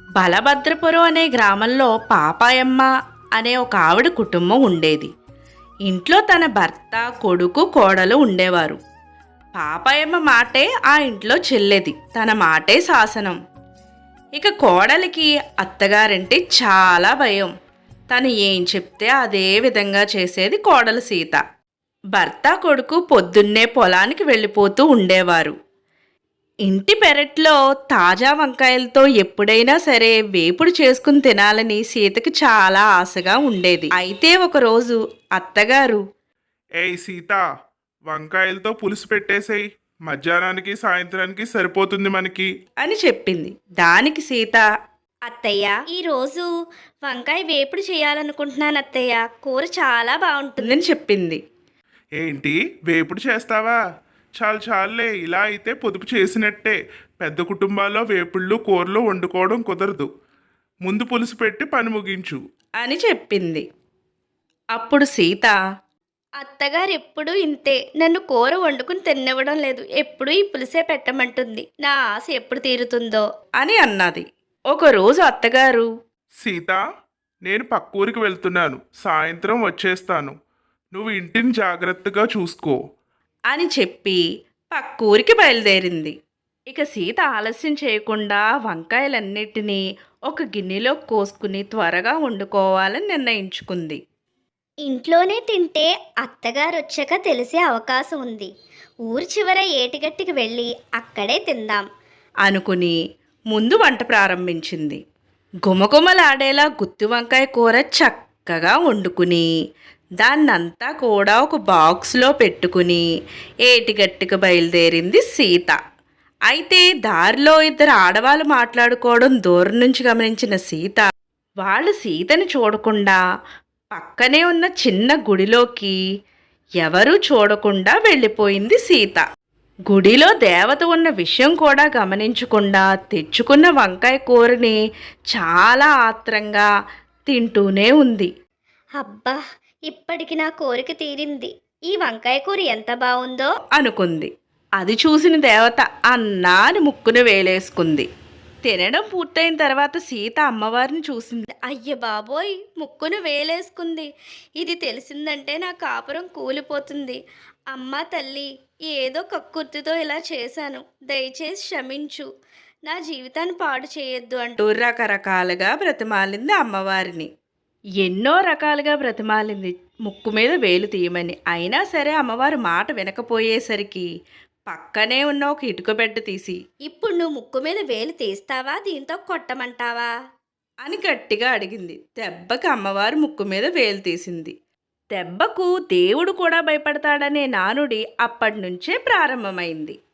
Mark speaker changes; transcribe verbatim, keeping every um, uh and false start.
Speaker 1: బలభద్రపురం అనే గ్రామంలో పాపాయమ్మ అనే ఒక ఆవిడ కుటుంబం ఉండేది. ఇంట్లో తన భర్త, కొడుకు, కోడలు ఉండేవారు. పాపాయమ్మ మాటే ఆ ఇంట్లో చెల్లేది, తన మాటే శాసనం. ఇక కోడలికి అత్తగారంటే చాలా భయం. తను ఏం చెప్తే అదే విధంగా చేసేది కోడలు సీత. భర్త, కొడుకు పొద్దున్నే పొలానికి వెళ్ళిపోతూ ఉండేవారు. ఇంటి పెరట్లో తాజా వంకాయలతో ఎప్పుడైనా సరే వేపుడు చేసుకుని తినాలని సీతకి చాలా ఆశగా ఉండేది. అయితే ఒకరోజు అత్తగారు,
Speaker 2: ఏయ్ సీత, వంకాయలతో పులుసు పెట్టేసేయ్, మధ్యాహ్నానికి సాయంత్రానికి సరిపోతుంది మనకి
Speaker 1: అని చెప్పింది. దానికి సీత,
Speaker 3: అత్తయ్య, ఈరోజు వంకాయ వేపుడు చేయాలనుకుంటున్నాను అత్తయ్య. కూర చాలా బాగుంటుంది.
Speaker 1: ఉందని చెప్పింది.
Speaker 2: ఏంటి, వేపుడు చేస్తావా? చాలు చాలులే, ఇలా అయితే పొదుపు చేసినట్టే. పెద్ద కుటుంబాల్లో వేపుళ్ళు కూరలు వండుకోవడం కుదరదు. ముందు పులుసు పెట్టి పని ముగించు
Speaker 1: అని చెప్పింది. అప్పుడు సీత,
Speaker 3: అత్తగారు ఎప్పుడూ ఇంతే, నన్ను కూర వండుకుని తినివ్వడం లేదు. ఎప్పుడూ ఈ పులుసే పెట్టమంటుంది. నా ఆశ ఎప్పుడు తీరుతుందో
Speaker 1: అని అన్నది. ఒకరోజు అత్తగారు,
Speaker 2: సీత, నేను పక్కూరికి వెళ్తున్నాను, సాయంత్రం వచ్చేస్తాను. నువ్వు ఇంటిని జాగ్రత్తగా చూసుకో
Speaker 1: అని చెప్పి పక్కూరికి బయలుదేరింది. ఇక సీత ఆలస్యం చేయకుండా వంకాయలన్నిటినీ ఒక గిన్నెలో కోసుకుని త్వరగా వండుకోవాలని నిర్ణయించుకుంది.
Speaker 3: ఇంట్లోనే తింటే అత్తగారు వచ్చాక తెలిసే అవకాశం ఉంది. ఊరి చివర ఏటిగట్టికి వెళ్ళి అక్కడే తిందాం
Speaker 1: అనుకుని ముందు వంట ప్రారంభించింది. గుమగుమలాడేలా గుత్తి వంకాయ కూర చక్కగా వండుకుని దాన్నంతా కూడా ఒక బాక్స్లో పెట్టుకుని ఏటిగట్టుకు బయలుదేరింది సీత. అయితే దారిలో ఇద్దరు ఆడవాళ్ళు మాట్లాడుకోవడం దూరం నుంచి గమనించిన సీత, వాళ్ళు సీతని చూడకుండా పక్కనే ఉన్న చిన్న గుడిలోకి ఎవరూ చూడకుండా వెళ్ళిపోయింది సీత. గుడిలో దేవత ఉన్న విషయం కూడా గమనించకుండా తెచ్చుకున్న వంకాయ కూరని చాలా ఆత్రంగా తింటూనే ఉంది.
Speaker 3: అబ్బా, ఇప్పటికి నా కోరిక తీరింది. ఈ వంకాయ కూర ఎంత బాగుందో
Speaker 1: అనుకుంది. అది చూసిన దేవత అన్నా అని ముక్కును వేలేసుకుంది. తినడం పూర్తయిన తర్వాత సీత అమ్మవారిని చూసింది.
Speaker 3: అయ్య బాబోయ్, ముక్కును వేలేసుకుంది. ఇది తెలిసిందంటే నా కాపురం కూలిపోతుంది. అమ్మా తల్లి, ఏదో కక్కుర్తితో ఇలా చేశాను, దయచేసి క్షమించు, నా జీవితాన్ని పాడు చేయొద్దు అంటూ
Speaker 1: రకరకాలుగా బ్రతిమాలింది అమ్మవారిని. ఎన్నో రకాలుగా బ్రతిమాలింది ముక్కు మీద వేలు తీయమని. అయినా సరే అమ్మవారు మాట వినకపోయేసరికి పక్కనే ఉన్న ఒక ఇటుక బెడ్డ తీసి,
Speaker 3: ఇప్పుడు నువ్వు ముక్కు మీద వేలు తీస్తావా, దీంతో కొట్టమంటావా
Speaker 1: అని గట్టిగా అడిగింది. దెబ్బకి అమ్మవారు ముక్కు మీద వేలు తీసింది. దెబ్బకు దేవుడు కూడా భయపడతాడనే నానుడి అప్పటి నుంచే ప్రారంభమైంది.